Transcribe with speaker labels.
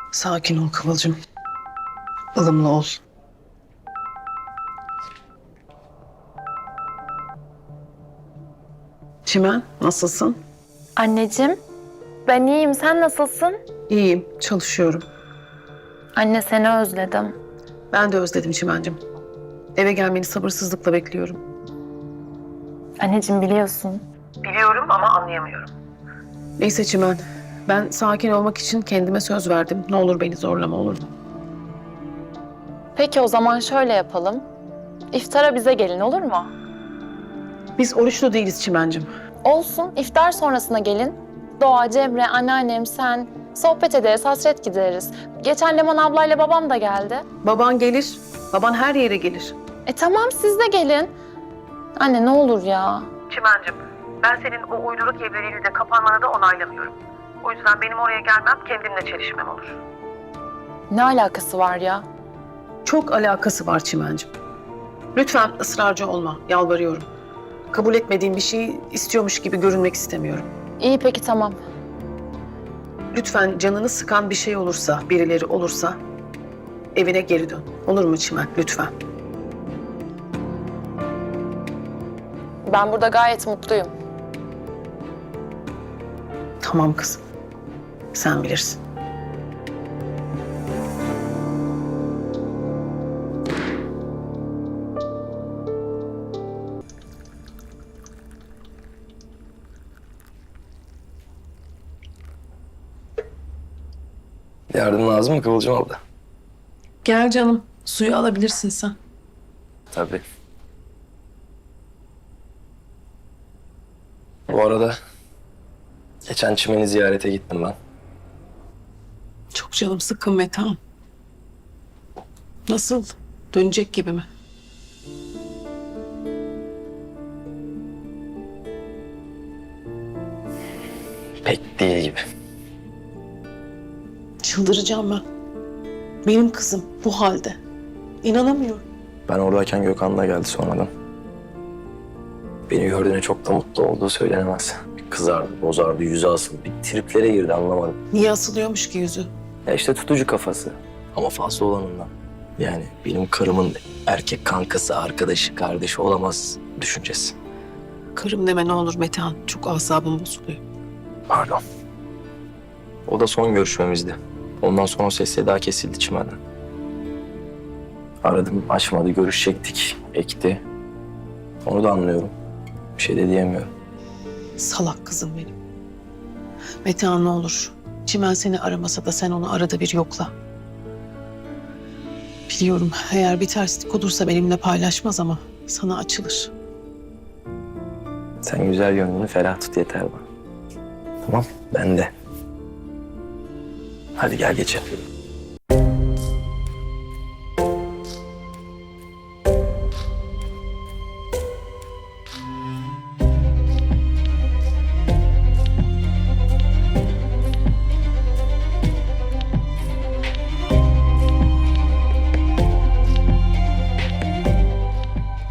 Speaker 1: Sakin ol Kıvılcım. Ilımlı ol. Çimen, nasılsın?
Speaker 2: Anneciğim, ben iyiyim. Sen nasılsın?
Speaker 1: İyiyim, çalışıyorum.
Speaker 2: Anne seni özledim.
Speaker 1: Ben de özledim Çimen'cim. Eve gelmeni sabırsızlıkla bekliyorum.
Speaker 2: Anneciğim biliyorsun.
Speaker 1: Biliyorum ama anlayamıyorum. Neyse Çimen, ben sakin olmak için kendime söz verdim. Ne olur beni zorlama, olur mu?
Speaker 2: Peki o zaman şöyle yapalım. İftara bize gelin olur mu?
Speaker 1: Biz oruçlu değiliz Çimen'cim.
Speaker 2: Olsun, iftar sonrasına gelin. Doğa, Cemre, anneannem, sen. Sohbet ederiz, hasret gideriz. Geçen Leman ablayla babam da geldi.
Speaker 1: Baban gelir, baban her yere gelir.
Speaker 2: Tamam siz de gelin. Anne ne olur ya.
Speaker 1: Çimen'cim, ben senin o uyduruk evliliğini de kapanmanı da onaylamıyorum. O yüzden benim oraya gelmem kendimle çelişmem olur.
Speaker 2: Ne alakası var ya?
Speaker 1: Çok alakası var Çimen'cim. Lütfen ısrarcı olma, yalvarıyorum. Kabul etmediğim bir şeyi istiyormuş gibi görünmek istemiyorum.
Speaker 2: İyi peki tamam.
Speaker 1: Lütfen canını sıkan bir şey olursa, birileri olursa evine geri dön. Olur mu Çimen? Lütfen.
Speaker 2: Ben burada gayet mutluyum.
Speaker 1: Tamam kızım. Sen bilirsin.
Speaker 3: Yardım lazım mı Kıvılcım abla?
Speaker 1: Gel canım. Suyu alabilirsin sen.
Speaker 3: Tabii. Bu arada geçen Çimen'i ziyarete gittim ben.
Speaker 1: Çok canım sıkkın Metehan. Nasıl? Dönecek gibi mi?
Speaker 3: Pek değil gibi.
Speaker 1: Çıldıracağım ben. Benim kızım bu halde. İnanamıyorum.
Speaker 3: Ben oradayken Gökhan da geldi sonradan. Beni gördüğüne çok da mutlu olduğu söylenemez. Kızardı, bozardı, yüzü asıldı. Bir triplere girdi anlamadım.
Speaker 1: Niye asılıyormuş ki yüzü?
Speaker 3: Ya işte tutucu kafası. Ama fazla olanından. Yani benim karımın erkek kankası, arkadaşı, kardeşi olamaz düşüncesi.
Speaker 1: Karım deme ne olur Metehan. Çok asabım bozuluyor.
Speaker 3: Pardon. O da son görüşmemizdi. Ondan sonra o ses daha kesildi Çimen'den. Aradım, açmadı, görüşecektik, ekti. Onu da anlıyorum. Bir şey de diyemiyorum.
Speaker 1: Salak kızım benim. Metehan ne olur. Çimen seni aramasa da sen onu arada bir yokla. Biliyorum eğer bir terslik olursa benimle paylaşmaz ama sana açılır.
Speaker 3: Sen güzel gönlünü ferah tut yeter bana. Tamam, ben de. Hadi gel geçelim.